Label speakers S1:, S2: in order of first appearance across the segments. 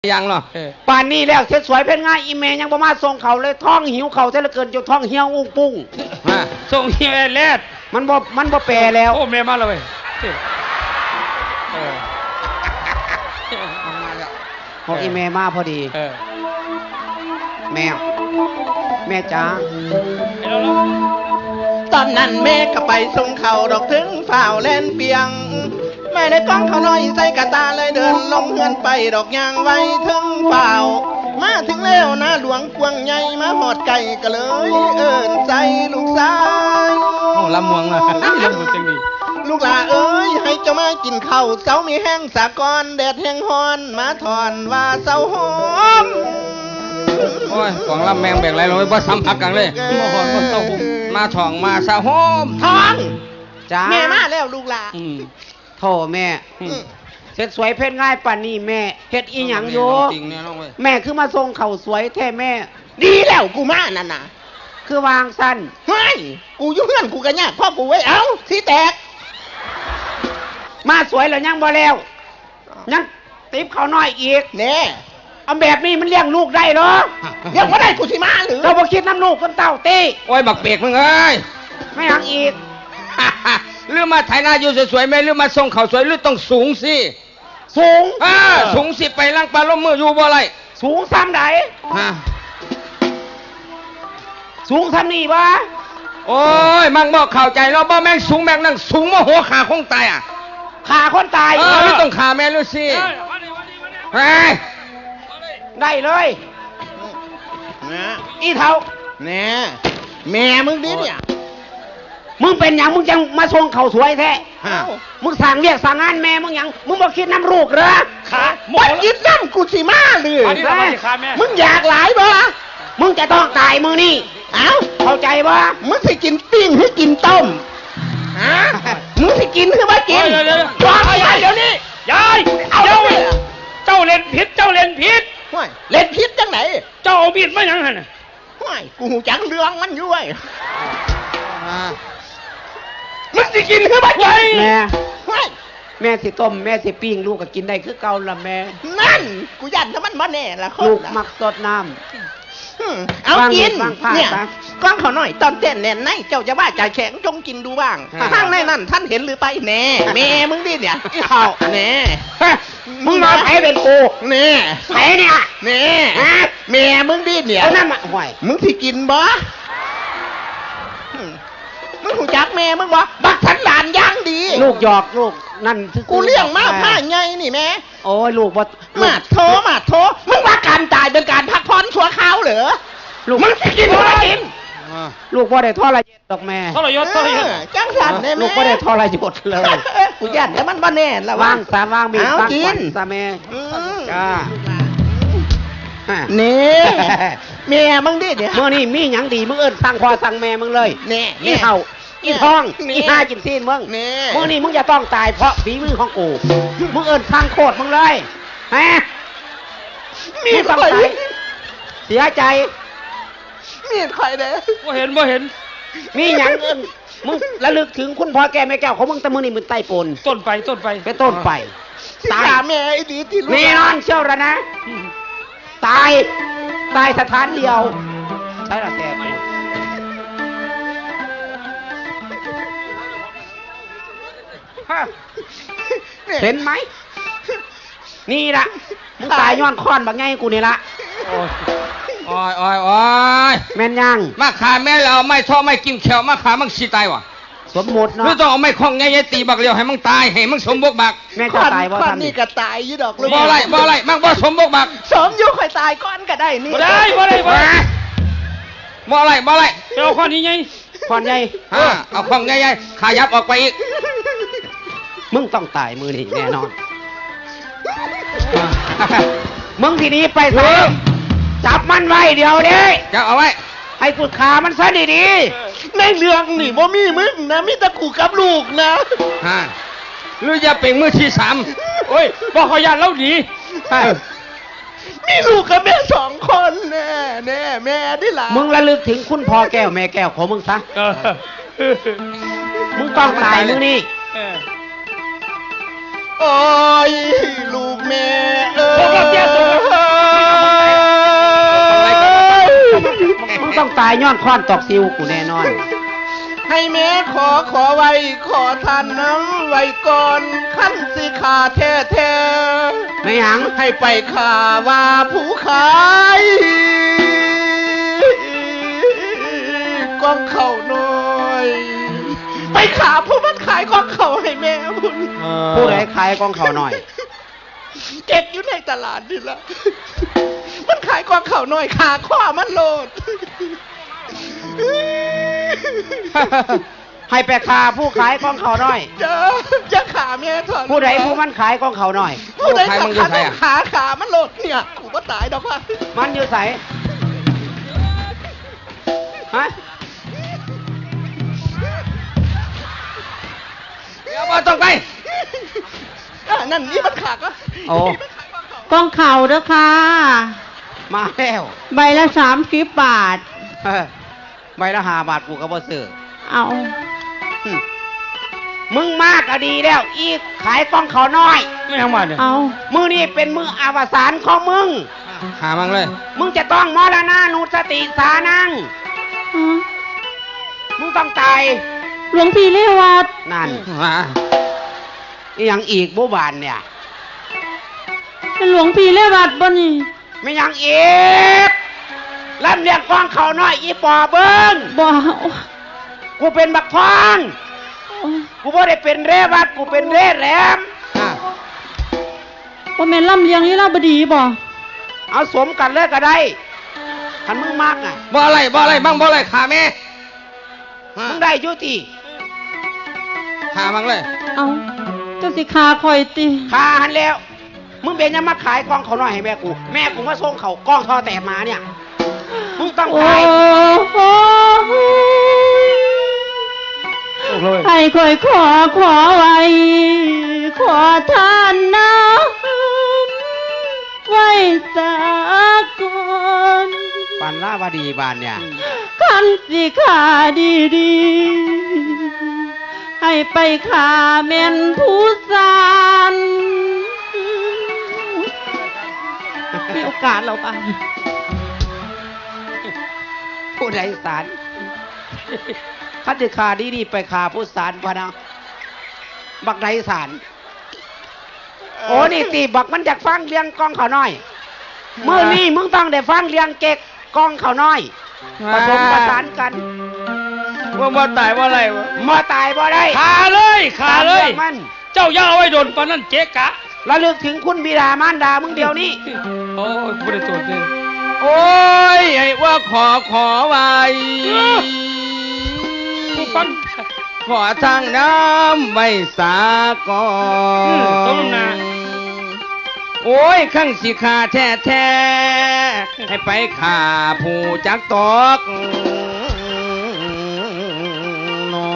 S1: ยังเนาะ
S2: ป่านนี้แล้วเสร็จสวยเป็นง่ายอีเมยังประมาณส่งเขาเลยท้องหิวเขาเท่าเกินจนท้องเหี่ยวอุ้งปุ้ง
S1: ส่งเฮียแลด
S2: มันบ่แปรแล้ว
S1: โอ้แม่มาเลย
S2: พออีเมมาพอดีแม่จ้า
S3: ตอนนั้นแม่ก็ไปส่งเขาดอกถึงฝ่าวเล่นเปียงแม่ได้กล้องเขาน้อยใส่กระตาเลยเดินลงเฮือนไปดอกยางไว้ถึงฝ่าวมาถึงแล้วนะหลวงกวงใหญ่มาหอดไก่ก็เลยเอิ้นใจลูกสาว
S1: โอ้ลำมวงนะลำมวงจังดี
S3: ลูกหลาเอ้ยให้เจ้ามากินข้าวเสามีแห้งสะกอนแดดแห้งฮอนมาถอนว่าเสาหอม
S1: โอ้ยของลำแมงแบกไรลงไปบ่ซ้ำพักกันเลยมาหอนมาเต้าหุ่มมาถ่องมาสะโฮม
S3: ทอง
S2: จ้า
S3: แม่มาแล้วลูกหลา
S2: โธ่แม่เสร็จสวยเพชรง่ายป่านนี้แม่เฮ็ดอีหยังอยู่แม่คือมาส่งเข่าสวยแท้แม่
S3: ดีแล้วกูมานั่นน่ะ
S2: คือวางสั้น
S3: เฮ้ยกูอยู่เฮือนกูก็ยากพ่อกูไว้เอ้าสิแตก
S2: มาสวยแล้วยังบ่แล้วยังติ๊บเขาน้อยอีก
S3: แน่
S2: เอาแบบนี้มันเลี้ยงลูกได้เหรอ
S3: เลี้ยงบ่ได้กูสิมาหรือ
S2: เราบ่คิดน้ำลูกคนเต่าตี
S1: โอ้ยบักเปียกมึงเอ้ย
S2: ไม่หักอีก
S1: หรือมาไถนาอยู่สวยๆไหมหรือมาส่งเขาสวยหรือต้องสูงสิ
S2: สูง
S1: สูงสิไปล่างปลาล้มมืออยู่บ่ไร
S2: สูงซ้ำไหนสูงซ้ำนี่วะ
S1: โอ้ยมั่งบอกเข้าใจแล้วบ่แม่งสูงแม่งนั่งสูงมาหัวขาคงตาย
S2: ขาคนตาย
S1: ไม่ต้องขาแม่ลูซี่
S2: ได้เลยอีเท่า
S3: แน่แม่มึงดิเนี่ย
S2: มึงเป็นอย่างมึงจังมาส่งเขาสวยแท้มึงสั่งเรียกสั่งงานแม่มึงอย่างมึงบอกคิดน้ำลูกเหรอ
S3: ขาบ่คิดน้ำกูสิมาเลยมึงอยากหลายบ่
S2: มึงจะต้องตายมึงนี่
S3: เอ้า
S2: เข้าใจบ่
S3: มึงสิกินปิ้งหรือกินต้มมึงสิกินหรือว่ากิน
S1: วางไปเดี๋ยวนี้ยายเจ้าเล่นผิดเล่น
S3: ผิดจังไหน
S1: เจ้าเอามีดมาอย่างนั้น
S3: กูจังเรื่องมันอยู่ไอ้มึงสิกินหรือว่ากิน
S2: แม่สิต้มแม่สิปิ้งลูกก็กินได้คือเก่าละแม่
S3: นั่นกูยันถ้ามันบ่แน่ละคน
S2: ลูกมักสดน้ำ
S3: เอากินเนี่ยก้องเขาหน่อยตอนเต้นแน่นในเจ้าจะว่าใจแข็งจงกินดูบ้างข้างในนั่นท่านเห็นหรือไปแน่แม่มึงดิเนี่ยข้าวแน่
S2: มึงมาไผเป็นกู
S3: แน่
S2: ไผเนี่ย
S3: แน่แม่มึงดิเนี่ย
S2: นั่นมาห่วย
S3: มึงสิกินบ่มึงหูจักแม่มึงบ่บักสันหลานย่างดี
S2: ลูกหยอกลูกนั่น
S3: กูเลี้ยงมาผ้าไงนี่แม่
S2: โอ้ยลูกบ่
S3: มาโถมึงว่าการตายเป็นการพักผ่อนชั่วคราวเหรอ
S2: ลูก
S3: มึงสิกินบ่กิน
S2: ลูกบ่ได้ทรยศดอกแม่
S1: ทรยศ
S3: จังสันได้แม่
S2: ลูกบ่ได้ทรยศเลย
S3: กูยันแล้วมันบ่แน่ละ
S2: ว่างสามว่างมี
S3: วางกิน
S2: ซะแม่จ้า
S3: นี่แม่มึงดิเดี๋ยว
S2: มื้อนี้มีหยังดีมึงเอิ้นสั่งพ่อสั่งแม่มึงเลย
S3: นี่
S2: อีเฒ่าอีทองอีห้ากินซีนมึงมื้อนี้มึงจะต้องตายเพราะฝีมือของกูมึงเอิ้นสั่งโคตรมึงเลยฮะ
S3: มีต้องตาย
S2: เสียใจ
S3: มีใครเด้
S1: บ่เห็น
S2: มีหยังเอิ้นมึงระลึกถึงคุณพ่อแก่แม่แก้วของมึงแต่มื้อนี้มึงใต้ปน
S1: ต้นไป
S2: เป็นต้นไป
S3: ตายแม่ไอ้ดีที่รู้
S2: แน่นอนเชื่อแล้วนะตายสถานเดียวใช่ละแกเห็นไหมนี่ละมึงตายย้อนค้อนบักไงกูนี่ละ
S1: โอ้ย
S2: แม่นยัง
S1: มาขาแม่เราไม่ชอบไม่กินเขียวมาขามึงสิตายวะ
S2: สมมติเนาะ
S1: ไม่ต้องเอาไม่คล้องไงตีบักเดียวให้มึงตายให้มึงสมบกบัก
S2: แม่จะตายบ่ทัน
S3: นี่ก็ตายยี่ดอก
S1: บ่อะไรมึงบ่สมบกบัก
S3: สมยุคค่อยตายก้อนก็ได้นี่
S1: บ่ได้บ่อะไรเอาข้อนี้ไง
S2: ข้อใหญ่
S1: เอาข้องใหญ่ๆขายับออกไปอีก
S2: มึงต้องตายมือนี่แน่นอนมึงทีนี้ไปซะจับมันไว้เดี๋ยวนี้
S1: จับเอาไว้
S2: ให้กูขามันซะดี
S3: ๆในเรื่องนี่บ่มีมึงนะมีแต่กูกับลูกนะ
S1: หรือจะเป็นมือที่สามโอ้ยบอกขยันแล้วดี
S3: มีลูกกับแม่2 คนแน่แม่ดิล่ะ
S2: มึงระลึกถึงคุณพ่อแก้วแม่แก้วของมึงซะมึงต้องตายมึงนี่
S3: โอ้ยลูกแม่
S1: พวกเราเสียสุด
S2: ายย้อนค้อนตอกซิวกูแน่นอน
S3: ให้แม่ขอไว้ขอทานน้ำไว้ก่อนขั้นสิขาแท้
S2: ไม่หยัง
S3: ๆให้ไปขาว่าผู้ขายกองเข่าน้อย ไปขาผู้มันขายกองเข่าให้แม่บุญ
S2: ผู้ใดขายกองเขาหน่อย
S3: เก็บอยู่ในตลาดนี่ละมันขายกองเข่าน้อยขาข้อมันโลด
S2: ให้ไปคาผู้ขายกองเขาหน่อย
S3: จะขาแม่ถอน
S2: ผู้ใดผู้มันขายกองเขาหน่อย
S3: ผู้ใดสำคัญต้องขามันโลดเนี่ยกูก็ตายดอกว่า
S2: มันอยู่ใสฮะ
S1: เดี๋ยวบ่ต้องไป
S3: นั่นนี่มันขาก็
S2: โอ้
S4: กองเข่าเด้อค่ะ
S2: มาแล้ว
S4: ใบละ30 บาท
S2: ใบละ5 บาทกูก็บ่ซื้อ
S4: เอา
S2: มึงมากก็ดีแล้ว อีกขายกองเขาน้อย
S1: ไม่ทำมาเนี่ย
S4: เอา
S2: มือนี่เป็นมืออวสานของมึง
S1: หามังเลย
S2: มึงจะต้องมรณานุสติสานัง
S4: ฮะ
S2: มึงต้องตาย
S4: หลวงพี่เรวัต
S2: นั่น
S1: หา
S2: อีหยังอีกบุบานเนี่ย
S4: เป็นหลวงพี่เรวัตบ่นี่
S2: ไม่หยังอีกลำเลียงกองเขาน้อยอีปอเบิ้ง
S4: บ่
S2: กูเป็นบักทอง
S4: โอ้ย
S2: กูบ่ได้เป็นเรวัดกูเป็นเรแหลม
S4: บ่แม่นลำเลียงลีลาบดีบ่
S2: เอาสมกันเลยก็ได้คันมึงมากอ่ะ
S1: บ่อะไรบ้างบ่อะไรขาแม่
S2: มึงได้อยุติ
S1: หามังเลย
S4: เอาเจ้าสิขาคอยติ
S2: คาหันแล้ว มึงเป็นยังมาขายกองเขาน้อยให้แม่กู แม่กูมาส่งเขากองทอแต่มาเนี่ย มึงต้อง
S4: โอ้
S2: ขาย
S4: โหให้คอยขอไว้ ขอทานน้ำไว้สักก่อน
S2: ปันล่าวาดีบานเนี่ย
S4: คันสิขาดีๆให้ไปขาแม่นผู้สานมีโอกาสเราไป
S2: ผู้ใดสารคันติขาดีๆไปขาผู้สารพะนะบักใดสารโอ้นี่ตีบักมันอยากฟังเรียงกองเขาน้อยเมื่อนี้มึงต้องได้ฟังเรียงเก๊กกองเขาน้อยผสมประสานกัน
S1: ว่าบ่ตายว่าอะไรวะ
S2: มาตายบ่ได้
S1: ขาเลยขาเลย
S2: ตมรื่องมัน
S1: เจ้าอย่าเอาไว้โดนปานนั้นเจ๊กะ
S2: ระลึกถึงคุณบิดามารดามึงเดียวนี้
S1: โอ้ยบ่ได้โทษเลยโอ้ยไอ้ว่าขอไว้ผู้ฟังขอทางน้ำไว้สาก่อนต้มนาโอ้ยข้างสิขาแท้ให้ไปขาผู้จักตอกนอ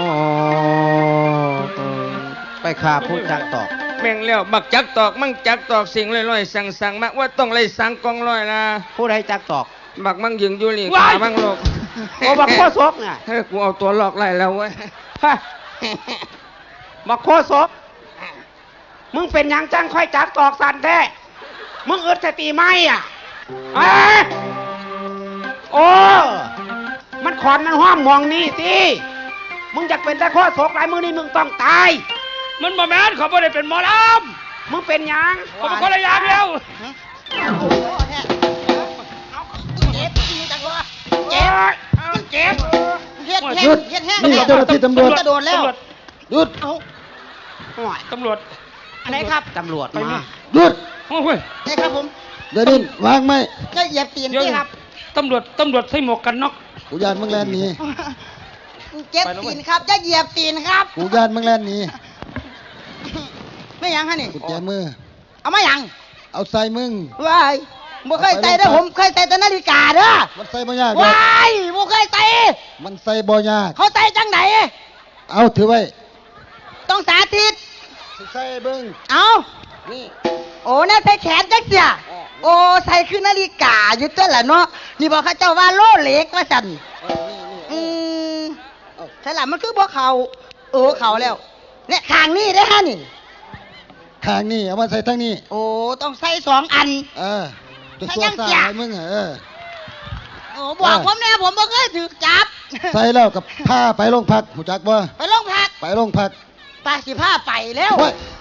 S2: ไปขาผู้จักตอก
S1: แม่งแล้วบักจักตอกมั่งจักตอกสิ่งลอยๆสั่งมาว่าต้องไล่สั่งกองลอยนะ
S2: ผู้ใดจักตอก
S1: บักมั่งยิงอยู่นี่ขามั่งโลก
S2: โอ้บักโคศกน่ะ
S1: เฮ้ยกูเอาตัวหลอกไล่แล้วเว้ย
S2: ฮะบักโคศกมึงเป็นหยังจังค่อยจักตอกสันแท้มึงอึดสติไหมอ่ะเอ้ยโอ้มันขอนมันห้อมมองนี่สิมึงอยากเป็นแต่โคศกหลายมือนี่มึงต้องตาย
S1: มันบ่แม่นเขาบ่ได้เป็นหมอล
S2: มึงเป็นหยัง
S1: ำเขาเป็นคนละอย่างเดียว
S3: เจ็บจริงจังวะ
S2: เจ็บเจ็บ
S3: เฮ็ดแห้
S5: หยุ
S3: ง
S5: ด
S3: เฮ็ดแห้ง
S5: นี่เจ้าหน้าที่ตำรวจ
S3: กระโดดแล้ว
S5: หยุด
S3: เอา
S2: ห่วย
S1: ตำรวจ
S3: อะไรครับ
S2: ตำรวจมา
S5: หยุด
S1: โอ้ย
S3: ใช่ครับผม
S5: เดี๋ยวนี้วางไหม
S3: ก็เหยียบตีนที่ครับ
S1: ตำรวจใส่หมวกกันน็อก
S5: กูยานมึงแลนหนี
S3: เจ็บตีนครับจะเหยียบตีนครับ
S5: กูยานมึงแลนหนี
S3: ไม่ยังฮะนี่
S5: กูแจมือ
S3: เอามายัง
S5: เอาใส่มึง
S3: ว้ายบ่เคยใส่เด้อผมเคยใส่แต่นาฬิกาเด้อ
S5: มันใส่บ่ยากหรอก
S3: ว้ายบ่เคยใส่
S5: มันใส่บ่ยาก
S3: เขาใส่จังไหน
S5: เอาถือไว้
S3: ต้องสาธิต
S5: สิใส่เบิ่ง
S3: เอา
S5: นี่
S3: โอ้น่าใส่แขนจังเสียโอ้ใส่คือนาฬิกาอยู่ตัวละเนาะนี่บอกเขาเจ้าว่าโลเล็กว่าสั่น อืมใช่ละมันคือบ่เขาเขาแล้ว เนี่ยข้างนี้ได้อฮะนี่
S5: ข้างนี่เอามาใส่ทางนี้
S3: โอ้ต้องใส่2 อัน
S5: เออตัว
S3: ใส่
S5: ตัว
S3: ยัง
S5: ซ่า
S3: เสีย
S5: ให้มึง
S6: โอ้บอกผมแน่ผมบ่เคยถูกจับ
S5: ใส่แล้วกับผ้าไปโรงพักหูจักบ่
S6: ไปโรงพัก
S5: ไปโรงพัก
S6: ปาสิผ้าไปแล้ว
S5: โอ้ย